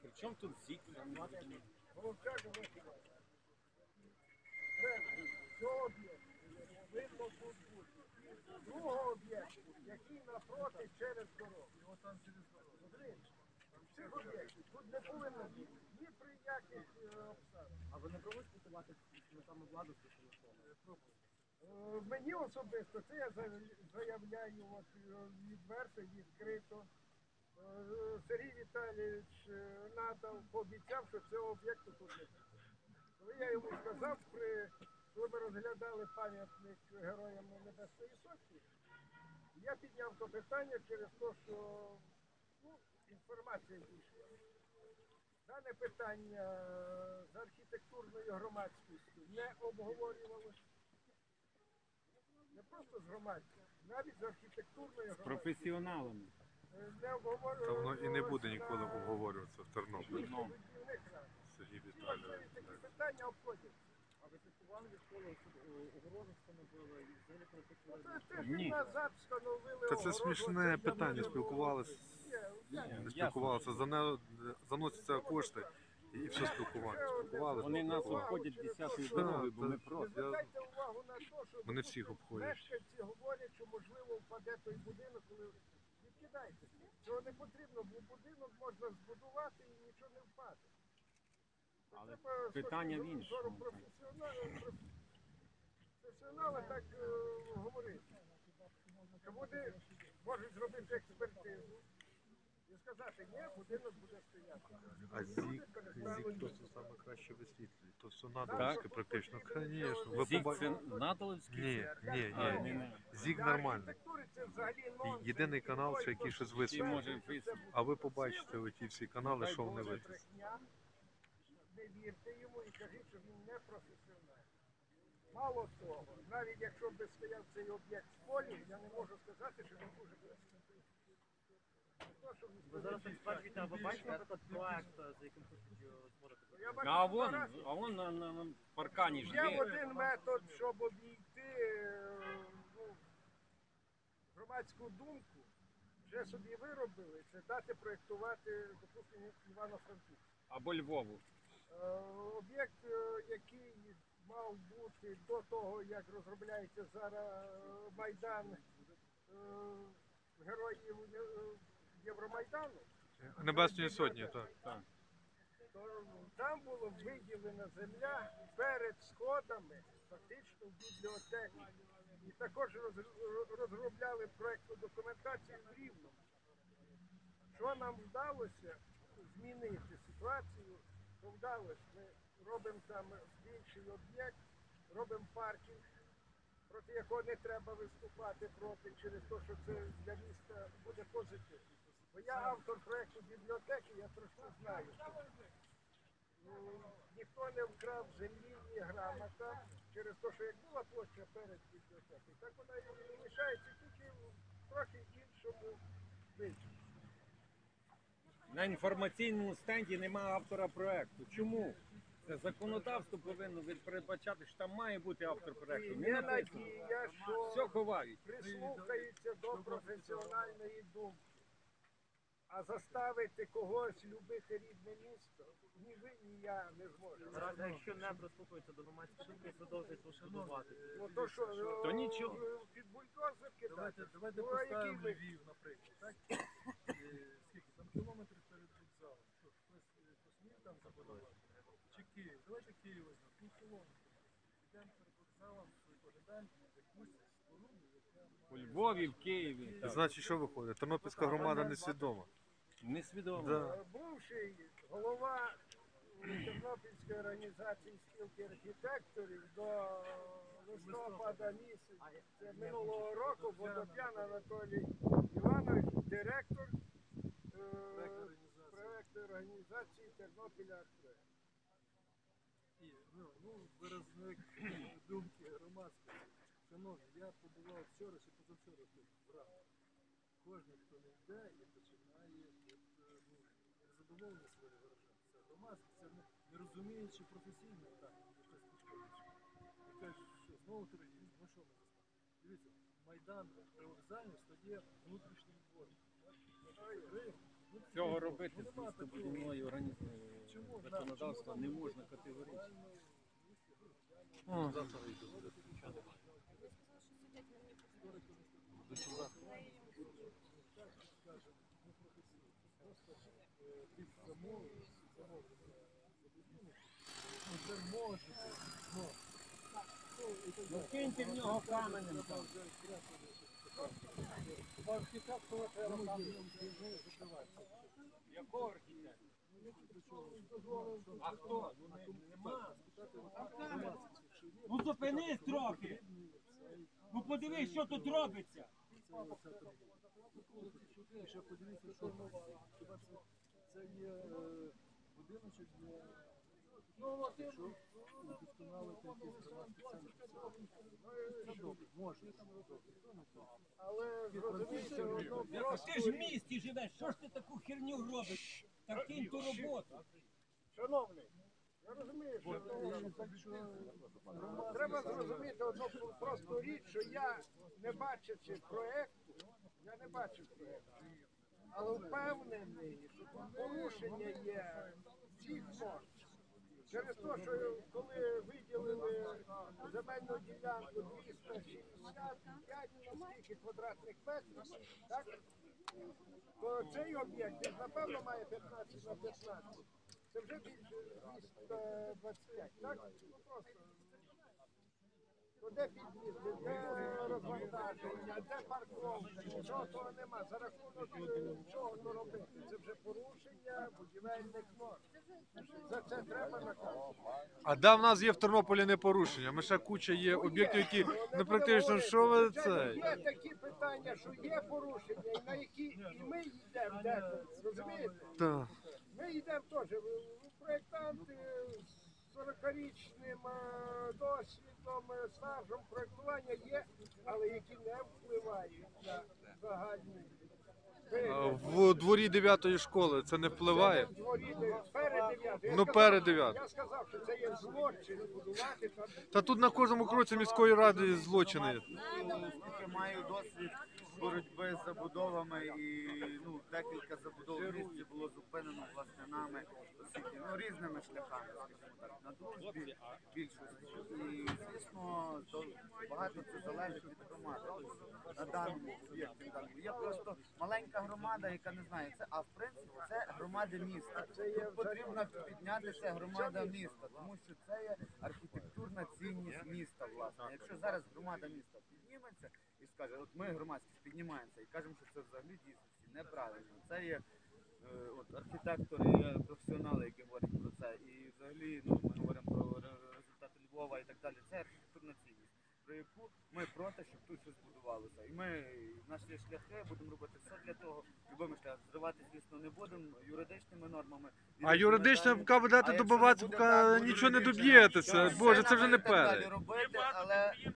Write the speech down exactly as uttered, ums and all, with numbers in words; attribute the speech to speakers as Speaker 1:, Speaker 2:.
Speaker 1: Причому тут ЗІК?
Speaker 2: Цього об'єкту видно тут бути. Другого об'єкту, який напроти через дорогу. Його там через дорогу. Цих об'єктів тут не повинно бути ні при яких обставинах.
Speaker 3: А ви не пробуєте спілкувати з саме владу з телефону?
Speaker 2: Мені особисто, це я заявляю от, відверто, відкрито. Сергій Віталійович надав, пообіцяв, що цього об'єкту тут не буде. Коли я йому сказав, при, коли ми розглядали пам'ятник Героям Небесної Сотні, я підняв то питання через те, що ну, інформація дійшла. Дане питання з архітектурною громадськістю не обговорювалося. Не просто з громадськістю, навіть з архітектурною громадськістю.
Speaker 1: З професіоналами.
Speaker 2: Не обговорювалося.
Speaker 4: Та воно і не буде ніколи обговорюватися в Тернополі.
Speaker 1: Ну.
Speaker 4: Сергій
Speaker 2: Всі
Speaker 4: Віталійович.
Speaker 2: важливі такі питання обходять.
Speaker 3: А ви слідкували від школи, огорожу встановили, і взагалі коли
Speaker 2: Ну,
Speaker 3: хотіли...
Speaker 2: це тиждень
Speaker 1: Ні.
Speaker 2: назад встановили
Speaker 4: Та це
Speaker 2: огорожу,
Speaker 4: смішне
Speaker 2: це
Speaker 4: питання,
Speaker 2: для
Speaker 4: спілкувалися.
Speaker 2: Ні,
Speaker 4: Не спілкувалися, за не заносяться кошти і все спілкування. Спілкувалися.
Speaker 1: Вони нас
Speaker 2: Увагу
Speaker 1: обходять
Speaker 2: через
Speaker 1: десятою
Speaker 2: те,
Speaker 1: дорогою, бо
Speaker 4: що-
Speaker 1: ми
Speaker 2: Ви
Speaker 1: проти.
Speaker 2: звертайте увагу на те, що
Speaker 4: Мене
Speaker 2: тут
Speaker 4: всіх обходять.
Speaker 2: мешканці говорять, що можливо впаде той будинок, коли відкидайте. Цього не потрібно, бо будинок можна збудувати і нічого не впаде. Це
Speaker 1: Але
Speaker 2: треба з
Speaker 1: питання
Speaker 2: точки
Speaker 1: в іншому.
Speaker 2: зору професіонала- проф- Професіонали так е, говорять. Що вони можуть зробити експертизу і сказати, ні, будинок буде стояти.
Speaker 4: А ЗІК, ЗІК то все саме краще висвітлює. То все надовське практично. Звісно. Ви
Speaker 1: ЗІК
Speaker 4: поба-
Speaker 1: це Натолівський?
Speaker 4: Ні, ні,
Speaker 1: А,
Speaker 4: ні,
Speaker 1: ні,
Speaker 4: ні.
Speaker 1: ні.
Speaker 4: ЗІК
Speaker 2: Для
Speaker 4: нормальний.
Speaker 2: архітектури це взагалі нонсенс.
Speaker 4: Єдиний канал, що який щось
Speaker 1: Всі
Speaker 4: висвітлює.
Speaker 1: може висвітлити.
Speaker 4: А ви побачите оті всі канали, що вони
Speaker 2: Це
Speaker 4: висвітлюють.
Speaker 2: брехня. Не вірте йому і кажіть, що він не професіонал. Мало того, навіть якщо б стояв цей об'єкт в полі, я не можу сказати, що він дуже професіонал. Не то, що він
Speaker 3: Ви зараз так стверджуєте, а ви бачите, наприклад, проект, за яким хочуть е, створити?
Speaker 2: Я бачу
Speaker 1: А вон,
Speaker 2: фотографії.
Speaker 1: а вон на, на, на паркані ж
Speaker 2: Є
Speaker 1: є.
Speaker 2: один метод, щоб обійти е, ну, громадську думку, вже собі виробили, це дати проєктувати, допустимо, Івано-Франківську.
Speaker 1: Або Львову.
Speaker 2: Е, Об'єкт, е, який мав бути до того, як розробляється зараз е, Майдан е, героїв е, Євромайдану,
Speaker 4: Небесної сотні, так.
Speaker 1: Так.
Speaker 2: то там була виділена земля перед сходами, фактично в бібліотеці. І також роз- розробляли проєктну документацію в Рівному. Що нам вдалося змінити ситуацію, то вдалося. Ми робимо там більший об'єкт, робимо паркінг, проти якого не треба виступати проти, через те, що це для міста буде позитивно. Бо я автор проєкту бібліотеки, я трошки знаю. Ну, ніхто не вкрав землі, ні грамота, через те, що як була площа перед бібліотекою, так вона і лишається тільки в трохи іншому вигляді.
Speaker 1: На інформаційному стенді немає автора проекту. Чому? Це законодавство повинно від- передбачати, що там має бути автор
Speaker 2: І
Speaker 1: проекту. Не
Speaker 2: є
Speaker 1: написано.
Speaker 2: надія,
Speaker 1: Все
Speaker 2: що
Speaker 1: ховають.
Speaker 2: прислухаються до професіональної думки. А заставити когось любити рідне місто, ні ви, ні я не зможемо.
Speaker 3: Зараз, якщо не прислухаються до громадської думки, продовжують розбудувати.
Speaker 2: Ну то що,
Speaker 1: То
Speaker 2: е,
Speaker 1: нічого.
Speaker 2: під бульдозер кидати?
Speaker 5: Давайте, давайте
Speaker 2: Ну, а який
Speaker 5: поставимо
Speaker 2: ви?
Speaker 5: Львів, наприклад. Так? Е, Скільки? Там кілометр перед вокзалом. Що, хтось е, посмів там забудувати? Чи Київ? Давайте Київ візьмемо. Пів кілометра. Йдемо перед вокзалом, поглядаємо якусь споруду, яка
Speaker 1: У Львові, в Києві. Так.
Speaker 4: Значить, що виходить? Тернопільська громада несвідома.
Speaker 1: Несвідомо.
Speaker 4: Да.
Speaker 2: Е, Бувший голова Тернопільської організації спілки архітекторів до листопада місяця це минулого року Водоп'ян Анатолій Іванович, директор е, проектної організації Тернопіля Арт-проект.
Speaker 5: І, ну, ну, виразник думки громадської. Шановні, я побував вчора чи позавчора тут, в Рамах. Кожен, хто не йде і починає от, е, ну, незадоволення своє виражати. Це громадське, це не, не розуміючи професійно так, якась підходить. І кажуть, що знову торгівля, ну що ми заставимо? Дивіться, Майдан при вокзалі стає внутрішнім двором.
Speaker 1: Цього робити з містобудівною організацією законодавства не можна категорично.
Speaker 4: О, завтра йду. Нічого немає.
Speaker 5: Під замову, замовлення за будинок, ну це може бути, но.
Speaker 1: Ну киньте в нього каменем там.
Speaker 5: Архітектора треба там закривати.
Speaker 1: Якого архітектора? А хто? Нема.
Speaker 6: Ну зупинись трохи. Ну подивись, що тут робиться.
Speaker 5: Ще подивіться, що хіба це, це є е, будиночок для ну, якщо удосконалити якийсь громадський центр. Це добре, може, добре.
Speaker 2: Але зрозумійте, одно
Speaker 6: Ти
Speaker 2: просто
Speaker 6: ж в місті живеш, що ж ти таку херню робиш? Так кинь ту роботу.
Speaker 2: шановний, я розумію, що ну, треба зрозуміти одну просту річ, що я, не бачачи проєкту, я не бачив проєкту, але впевнений, що тут порушення є всіх норм. Через те, що коли виділили земельну ділянку двісті шістдесят п'ять скільки квадратних метрів, так? То цей об'єкт, він, напевно, має п'ятнадцять на п'ятнадцять. Це вже більше двісті двадцять п'ять, так? Ну просто. То де під'їзди, де розвантаження, де парковка, нічого того нема. За рахунок е, чого то робити? Це вже порушення будівельних норм. За це треба наказувати.
Speaker 4: А да, в нас є в Тернополі не порушення. Ми ще куча є об'єктів, які ну, практично, що ви це?
Speaker 2: Є такі питання, що є порушення, і на які і ми йдемо деколи, розумієте?
Speaker 4: Та.
Speaker 2: Ми йдемо теж. Проєктанти з сорокарічним е, досвідом, е, стажем проєктування є, але які не впливають на загальний
Speaker 4: А
Speaker 2: вигляд.
Speaker 4: в дворі дев'ятої школи це не впливає?
Speaker 2: Це в дворі де- перед дев'ятою. Я
Speaker 4: Ну,
Speaker 2: сказав,
Speaker 4: перед дев'ятою.
Speaker 2: Я сказав, що це є злочин будувати там.
Speaker 4: Та тут на кожному кроці міської ради злочини є.
Speaker 7: Оскільки маю досвід боротьби з забудовами і ну, декілька забудов в місті було зупинено власне нами оскільки, ну, різними шляхами, скажімо так, на дружбі більшості. І звісно, то багато це залежить від громади. Тобто, на даному об'єкті даному. Є просто маленька громада, яка не знає це, а в принципі це громади міста. Тут потрібно піднятися громада міста, тому що це є архітектурна цінність міста, власне. Якщо зараз громада міста підніметься і скаже, от ми громадськість піднімаємося і кажемо, що це взагалі дійсності неправильно. Це є е, от, архітектори, є професіонали, які говорять про це. І взагалі ну, ми говоримо про ре- результати Львова і так далі. Це архітектурна цінність, про яку ми проти, щоб тут щось будувалося. І ми, наші шляхи, будемо робити все для того, любими шляхами. Зривати, звісно, не будемо юридичними нормами.
Speaker 4: А юридично, поки будете
Speaker 7: А якщо
Speaker 4: добиватися,
Speaker 7: не буде
Speaker 4: поки
Speaker 7: так,
Speaker 4: нічого не
Speaker 7: юридично,
Speaker 4: доб'єтеся.
Speaker 7: то
Speaker 4: Боже,
Speaker 7: все
Speaker 4: це вже
Speaker 7: нам
Speaker 4: не
Speaker 7: і так далі
Speaker 4: пере.
Speaker 7: робити, але